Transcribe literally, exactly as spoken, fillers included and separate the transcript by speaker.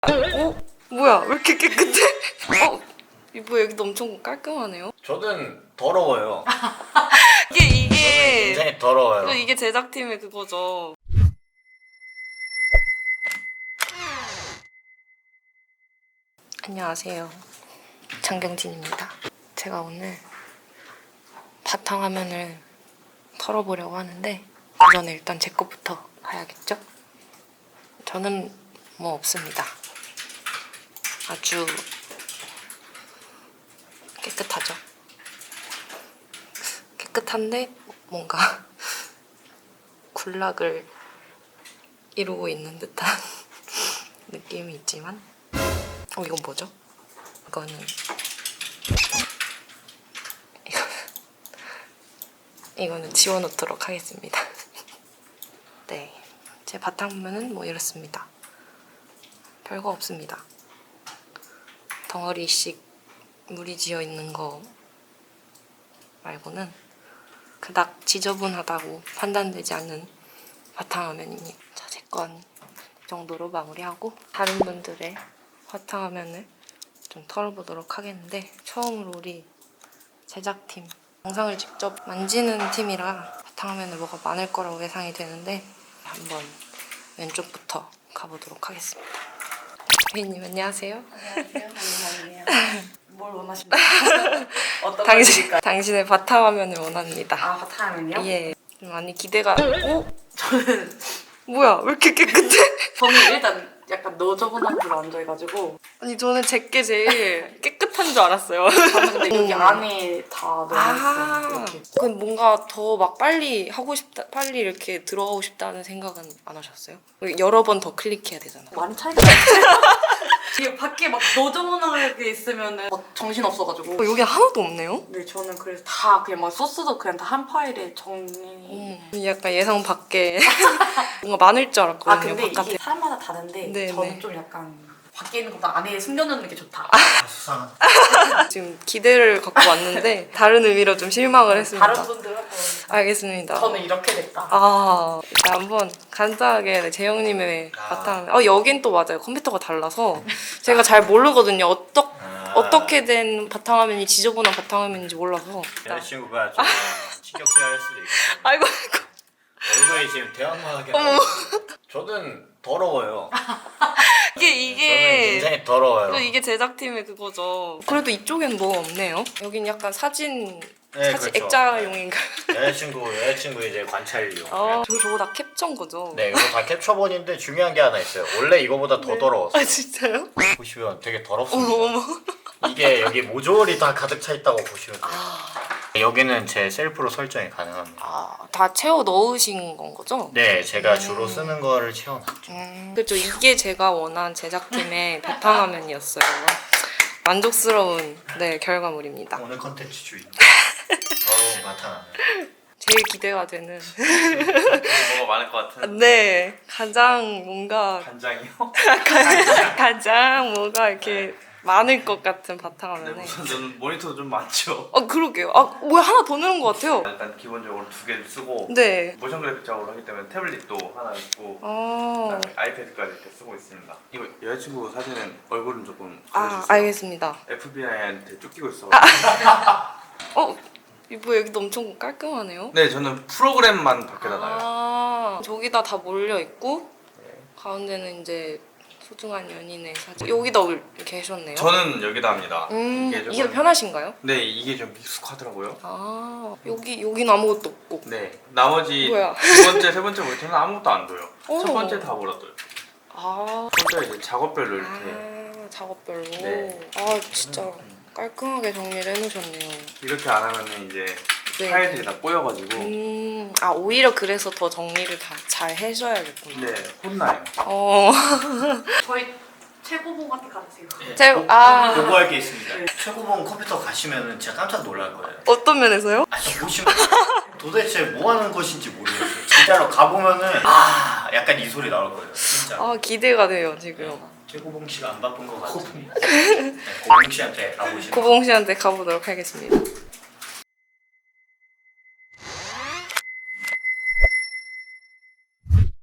Speaker 1: 어? 뭐야? 왜 이렇게 깨끗해? 어? 이거 여기도 엄청 깔끔하네요.
Speaker 2: 저는 더러워요.
Speaker 1: 이게
Speaker 2: 저는
Speaker 1: 이게
Speaker 2: 굉장히 더러워요.
Speaker 1: 이거 이게 제작팀의 그거죠. 안녕하세요. 장경진입니다. 제가 오늘 바탕화면을 털어보려고 하는데 그 전에 일단 제 것부터 봐야겠죠? 저는 뭐 없습니다. 아주 깨끗하죠? 깨끗한데 뭔가 군락을 이루고 있는 듯한 느낌이 있지만 어 이건 뭐죠? 이거는 이거는 이거는 지워놓도록 하겠습니다. 네, 제 바탕화면은 뭐 이렇습니다. 별거 없습니다. 덩어리씩 물이 지어 있는 거 말고는 그닥 지저분하다고 판단되지 않는 바탕화면입니다. 자, 제 건 이 정도로 마무리하고 다른 분들의 바탕화면을 좀 털어보도록 하겠는데 처음으로 우리 제작팀 영상을 직접 만지는 팀이라 바탕화면에 뭐가 많을 거라고 예상이 되는데 한번 왼쪽부터 가보도록 하겠습니다. 회의님 안녕하세요.
Speaker 3: 안녕하세요. 뭘 원하십니까? 어떤 걸
Speaker 1: 당신,
Speaker 3: 드릴까요?
Speaker 1: 당신의 바탕화면을 원합니다.
Speaker 3: 아, 바탕화면이요?
Speaker 1: 예. 좀 많이 기대가. 어?
Speaker 3: 저는
Speaker 1: 뭐야? 왜 이렇게 깨끗해?
Speaker 3: 저는 일단 약간 너저분한 줄 앉아가지고
Speaker 1: 아니 저는 제게 제일 깨끗한 줄 알았어요.
Speaker 3: 저는 근데 여기
Speaker 1: 음.
Speaker 3: 안에 다 넣어놨어요.
Speaker 1: 아,
Speaker 3: 이렇게.
Speaker 1: 그럼 뭔가 더 막 빨리 하고 싶다, 빨리 이렇게 들어가고 싶다는 생각은 안 하셨어요? 여러 번 더 클릭해야 되잖아.
Speaker 3: 많이 차이가 나요. 이게 밖에 막 너저분하게 있으면은 막 정신 없어가지고.
Speaker 1: 어, 여기 하나도 없네요?
Speaker 3: 네, 저는 그래서 다 그냥 막 소스도 그냥 다 한 파일에 정리.
Speaker 1: 음, 약간 예상 밖에 뭔가 많을 줄
Speaker 3: 아,
Speaker 1: 알았거든요.
Speaker 3: 근데
Speaker 1: 바깥에.
Speaker 3: 이게 사람마다 다른데
Speaker 1: 네,
Speaker 3: 저는
Speaker 1: 네.
Speaker 3: 좀 약간 밖에 있는 것보다 안에 숨겨놓는 게 좋다.
Speaker 2: 수상한.
Speaker 1: 지금 기대를 갖고 왔는데 다른 의미로 좀 실망을 했습니다.
Speaker 3: 다른 분들은
Speaker 1: 알겠습니다.
Speaker 3: 저는 이렇게 됐다.
Speaker 1: 아, 일단 한번 간단하게 네, 재영님의
Speaker 2: 아.
Speaker 1: 바탕. 어 여긴 또 맞아요. 컴퓨터가 달라서 제가 잘 모르거든요. 어떠,
Speaker 2: 아.
Speaker 1: 어떻게 된 바탕화면이 지저분한 바탕화면인지 몰라서.
Speaker 2: 여자친구가 좀 신경쓰여 할 수도 있고
Speaker 1: 아이고 아이고.
Speaker 2: 얼굴이 지금 대형하게
Speaker 1: 어머.
Speaker 2: 저는 더러워요.
Speaker 1: 이게
Speaker 2: 저는
Speaker 1: 이게
Speaker 2: 굉장히 더러워요.
Speaker 1: 이게 제작팀의 그거죠. 그래도 이쪽엔 뭐 없네요. 여긴 약간 사진
Speaker 2: 네,
Speaker 1: 사진
Speaker 2: 그렇죠.
Speaker 1: 액자용인가요?
Speaker 2: 여자친구 여자친구 이제 관찰용.
Speaker 1: 아, 저 저거 다 캡처인 거죠?
Speaker 2: 네, 이거 다 캡처본인데 중요한 게 하나 있어요. 원래 이거보다 더
Speaker 1: 네.
Speaker 2: 더러웠어요.
Speaker 1: 아 진짜요?
Speaker 2: 보시면 되게
Speaker 1: 어머
Speaker 2: 더럽습니다.
Speaker 1: 어머.
Speaker 2: 이게 여기 모조리 다 가득 차 있다고 보시면 돼요.
Speaker 1: 아,
Speaker 2: 여기는 제 셀프로 설정이 가능합니다.
Speaker 1: 아, 다 채워 넣으신 건 거죠?
Speaker 2: 네, 제가 주로 쓰는 거를 채워놨죠.
Speaker 1: 음, 그렇죠. 이게 제가 원한 제작팀의 바탕화면이었어요. 만족스러운 네 결과물입니다.
Speaker 2: 오늘 컨텐츠 주인. 더러운 바탕화면.
Speaker 1: 제일 기대가 되는
Speaker 4: 뭐가 많을 것 같은
Speaker 1: 네 가장 뭔가
Speaker 4: 간장이요?
Speaker 1: 가장 뭐가 이렇게 많을 것 같은
Speaker 4: 네,
Speaker 1: 바탕화면에
Speaker 4: 우선 저는 모니터도 좀 많죠.
Speaker 1: 어 그러게요. 아 뭐야 하나 더 넣은 것 같아요.
Speaker 4: 일단 기본적으로 두 개를 쓰고
Speaker 1: 네.
Speaker 4: 모션 그래픽 작업을 하기 때문에 태블릿도 하나 있고
Speaker 1: 어.
Speaker 4: 그다음에 아이패드까지 이렇게 쓰고 있습니다. 이거 여자친구 사진은 얼굴은 조금
Speaker 1: 아
Speaker 4: 보여주세요.
Speaker 1: 알겠습니다.
Speaker 4: 에프비아이한테 쫓기고 있어.
Speaker 1: 어 이거 여기도 엄청 깔끔하네요.
Speaker 4: 네, 저는 프로그램만 밖에다 놔요.
Speaker 1: 아 저기다 다 몰려 있고
Speaker 4: 네.
Speaker 1: 가운데는 이제 소중한 연인의 사진. 여기다 이렇게 해줬네요.
Speaker 4: 저는 여기다 합니다.
Speaker 1: 음
Speaker 4: 이게 조금-
Speaker 1: 이게 편하신가요?
Speaker 4: 네, 이게 좀 익숙하더라고요.
Speaker 1: 아 여기 여기는 아무것도 없고.
Speaker 4: 네, 나머지
Speaker 1: 뭐야?
Speaker 4: 두 번째, 세 번째 모니터는 아무것도 안 둬요.
Speaker 1: 오.
Speaker 4: 첫 번째 다 몰아둬요.
Speaker 1: 아,
Speaker 4: 혼자 이제 작업별로 이렇게
Speaker 1: 아 작업별로.
Speaker 4: 네.
Speaker 1: 아 진짜 깔끔하게 정리를 해놓으셨네요.
Speaker 4: 이렇게 안 하면은 이제
Speaker 1: 네.
Speaker 4: 파일들이 다 꼬여가지고
Speaker 1: 음, 아 오히려 그래서 더 정리를 다 잘 해줘야겠구나.
Speaker 4: 네, 혼나요.
Speaker 1: 어.
Speaker 3: 저희 최고봉한테 가주세요.
Speaker 1: 제 아
Speaker 2: 요구할 게 있습니다. 최고봉 컴퓨터 가시면은 진짜 깜짝 놀랄 거예요.
Speaker 1: 어떤 면에서요?
Speaker 2: 아니 보시면 도대체 뭐 하는 것인지 모르겠어요. 진짜로 가보면은 아 약간 이 소리 나올 거예요. 진짜.
Speaker 1: 아 기대가 돼요 지금.
Speaker 2: 최고봉 씨가 안 바쁜 것 같으니 네, 고봉 씨한테 가보시면
Speaker 1: 고봉 씨한테 가보도록 하겠습니다.